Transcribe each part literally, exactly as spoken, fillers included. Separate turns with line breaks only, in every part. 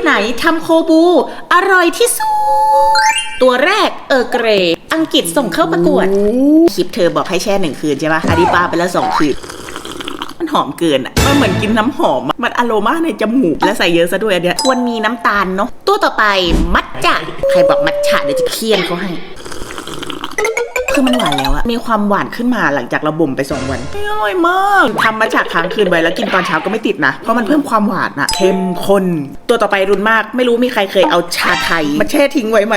ไหนทำโคบูอร่อยที่สุดตัวแรกเออเกรอังกฤษส่งเข้าประกวดคลิปเธอบอกให้แช่หนึ่งคืนใช่ปะอันนี้ปาไปแล้วสองคืนมันหอมเกินอ่ะมันเหมือนกินน้ำหอมมันอโรมาในจมูกและใส่เยอะซะด้วยอันเนี้ยควรมีน้ำตาลเนาะตัวต่อไปมัทฉะใครบอกมัทฉะเดี๋ยวจะเคี่ยนเขาให้คือมันหวานแล้วอะมีความหวานขึ้นมาหลังจากเราบ่มไปสองวันอร่อยมากทำมาจากค้างคืนไว้แล้วกินตอนเช้าก็ไม่ติดนะเพราะมันเพิ่มความหวานอะเข้มข้นตัวต่อไปรุนมากไม่รู้มีใครเคยเอาชาไทยมาแช่ทิ้งไว้ไหม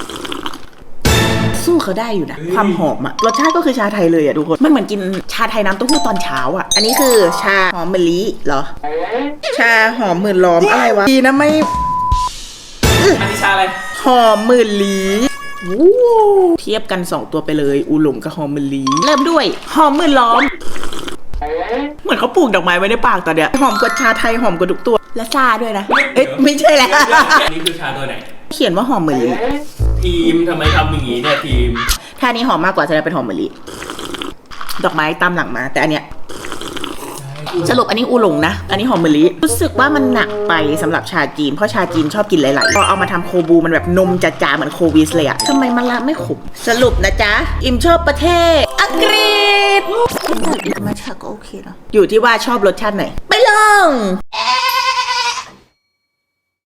สู้เขาได้อยู่นะความหอมอะรสชาติก็คือชาไทยเลยอะทุกคนมันเหมือนกินชาไทยน้ำเต้าหู้ตอนเช้าอะอันนี้คือชาหอมมะลิเหรอชาหอมหมื่นล้อมอะไรวะดีนะไม่
อันนี้ชาอะไร
หอมหมื่นลี้เทียบกันสองตัวไปเลยอูหลงกับหอมมะลิเริ่มด้วยหอมหมื่นล้อมเหมือนเขาปลูกดอกไม้ไว้ในปากตอนเนี้ยหอมกว่าชาไทยหอมกว่าทุกตัวและชาด้วยนะเอ๊ะไม่ใช่แล้ว
อันนี้คือชาตัวไหน
เขียนว่าหอมมะลิ
ทีมทำไมทำอย่างนี้เนี่ยทีม
ถ้านี้หอมมากกว่าจะได้เป็นหอมมะลิดอกไม้ตามหลังมาแต่อันเนี้ยสรุปอันนี้อูหลงนะอันนี้หอมมะลิรู้สึกว่ามันหนักไปสำหรับชาจีนเพราะชาจีนชอบกินหลายๆพอเอามาทำโคบูมันแบบนมจ๋าๆเหมือนโควิสเลยอะทำไมมันละไม่ขมสรุปนะจ๊ะอิมชอบประเทศอังกฤษอิมมาชาก็โอเคนะอยู่ที่ว่าชอบรสชาติไหนไปลอง